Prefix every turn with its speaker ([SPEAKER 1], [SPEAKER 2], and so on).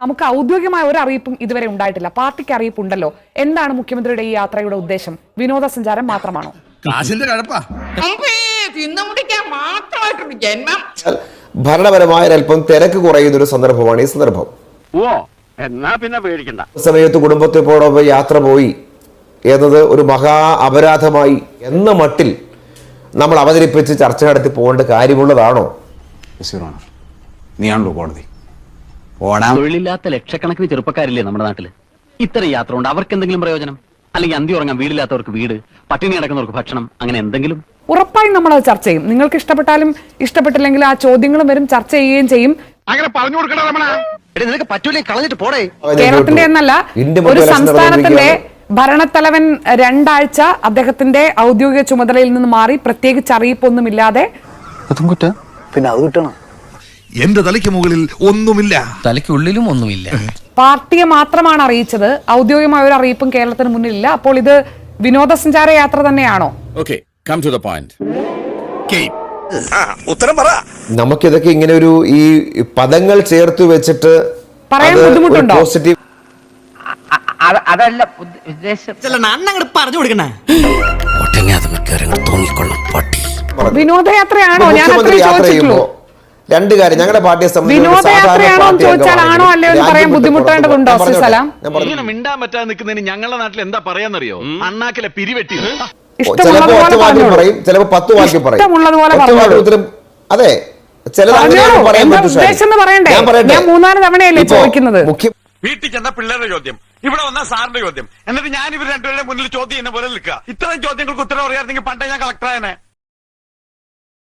[SPEAKER 1] നമുക്ക് ഔദ്യോഗികമായ ഒരു അറിയിപ്പും ഇതുവരെ ഉണ്ടായിട്ടില്ല. പാർട്ടിക്ക് അറിയിപ്പുണ്ടല്ലോ. എന്താണ് മുഖ്യമന്ത്രിയുടെ ഈ യാത്രയുടെ ഉദ്ദേശം? വിനോദസഞ്ചാരം മാത്രമാണോ?
[SPEAKER 2] ഭരണപരമായ അല്പം തിരക്ക് കുറയുന്ന ഒരു സന്ദർഭമാണ് ഈ സന്ദർഭം. സമയത്ത് കുടുംബത്തോടൊപ്പം യാത്ര പോയി എന്നത് ഒരു മഹാ അപരാധമായി എന്ന മട്ടിൽ നമ്മൾ അവതരിപ്പിച്ച് ചർച്ച നടത്തി പോകേണ്ട കാര്യമുള്ളതാണോ?
[SPEAKER 3] നീയാണല്ലോ കോടതി.
[SPEAKER 4] തൊഴിലില്ലാത്ത ലക്ഷക്കണക്കിന് ചെറുപ്പക്കാരില്ലേ നമ്മുടെ നാട്ടില്? ഇത്തരം യാത്ര കൊണ്ട് അവർക്ക് എന്തെങ്കിലും പ്രയോജനം? അല്ലെങ്കിൽ അന്തി ഉറങ്ങാൻ വീടില്ലാത്തവർക്ക് വീട്, പട്ടിണി കിടക്കുന്നവർക്ക് ഭക്ഷണം, അങ്ങനെ എന്തെങ്കിലും?
[SPEAKER 1] ഉറപ്പായും നമ്മൾ അത് ചർച്ച ചെയ്യും. നിങ്ങൾക്ക് ഇഷ്ടപ്പെട്ടാലും ഇഷ്ടപ്പെട്ടില്ലെങ്കിലും ആ ചോദ്യങ്ങളും വരും, ചർച്ച ചെയ്യുകയും ചെയ്യും.
[SPEAKER 5] അങ്ങനെ പറഞ്ഞു കൊടുക്കണം.
[SPEAKER 4] നിനക്ക് പറ്റൂലേ, കളഞ്ഞിട്ട് പോടേ.
[SPEAKER 1] കേരളത്തിന്റെ എന്നല്ല, ഒരു സംസ്ഥാനത്തിന്റെ ഭരണത്തലവൻ 2 ആഴ്ച അദ്ദേഹത്തിന്റെ ഔദ്യോഗിക ചുമതലയിൽ നിന്ന് മാറി പ്രത്യേകിച്ച് അറിയിപ്പൊന്നുമില്ലാതെ
[SPEAKER 3] പിന്നെ അത് കിട്ടണം.
[SPEAKER 5] എന്റെ തലയ്ക്ക് മുകളിൽ ഒന്നുമില്ല,
[SPEAKER 6] തലയ്ക്കുള്ളിലും ഒന്നുമില്ല.
[SPEAKER 1] പാർട്ടിയെ മാത്രമാണ് അറിയിച്ചത്. ഔദ്യോഗികമായ ഒരു അറിയിപ്പും കേരളത്തിന് മുന്നിലില്ല. അപ്പോൾ ഇത് വിനോദസഞ്ചാര യാത്ര തന്നെയാണോ?
[SPEAKER 5] ഉത്തരം പറ.
[SPEAKER 2] നമുക്കിതൊക്കെ ഇങ്ങനെ ഒരു ഈ പദങ്ങൾ ചേർത്ത് വെച്ചിട്ട്
[SPEAKER 1] പറയാൻ ബുദ്ധിമുട്ടുണ്ടോ?
[SPEAKER 2] പോസിറ്റീവ്
[SPEAKER 7] അതല്ല ഉദ്ദേശം.
[SPEAKER 6] അണ്ണങ്ങട് പറഞ്ഞു കൊടുക്കണേ.
[SPEAKER 1] വിനോദയാത്രയാണോ? ഞാൻ അത്രേ ചോദിച്ചിട്ടുള്ളൂ.
[SPEAKER 2] 2 കാര്യം ഞങ്ങളുടെ പാർട്ടിയെ
[SPEAKER 1] വിനോദയാത്രയാണോ ചോദിച്ചാൽ ആണോ അല്ലയോ എന്ന് പറയാൻ ബുദ്ധിമുട്ടേണ്ടതുണ്ടോ? സലാം,
[SPEAKER 8] ഇങ്ങനെ മിണ്ടാൻ പറ്റാതെ നിൽക്കുന്നതിന് ഞങ്ങളുടെ നാട്ടിൽ എന്താ പറയാന്നറിയോ? അണ്ണാക്കിലെ പിരിവെട്ടി.
[SPEAKER 2] ചിലപ്പോ 10 വാക്യം പറയും, ചിലപ്പോ 10 വാക്യം പറയും. അതെ,
[SPEAKER 1] ഞാൻ 3-4 തവണയല്ലേ ചോദിക്കുന്നത്.
[SPEAKER 8] വീട്ടിൽ ചെന്ന പിള്ളേരുടെ ചോദ്യം, ഇവിടെ വന്ന സാറിന്റെ ചോദ്യം, എന്നിട്ട് ഞാൻ ഇവർ രണ്ടുപേരുടെ മുന്നിൽ ചോദ്യം എന്നെ പോലെ നിൽക്കുക. ഇത്തരം ചോദ്യങ്ങൾക്ക് ഉത്തരം അറിയാമെങ്കിൽ പണ്ടേ ഞാൻ കളക്ടറായനെ.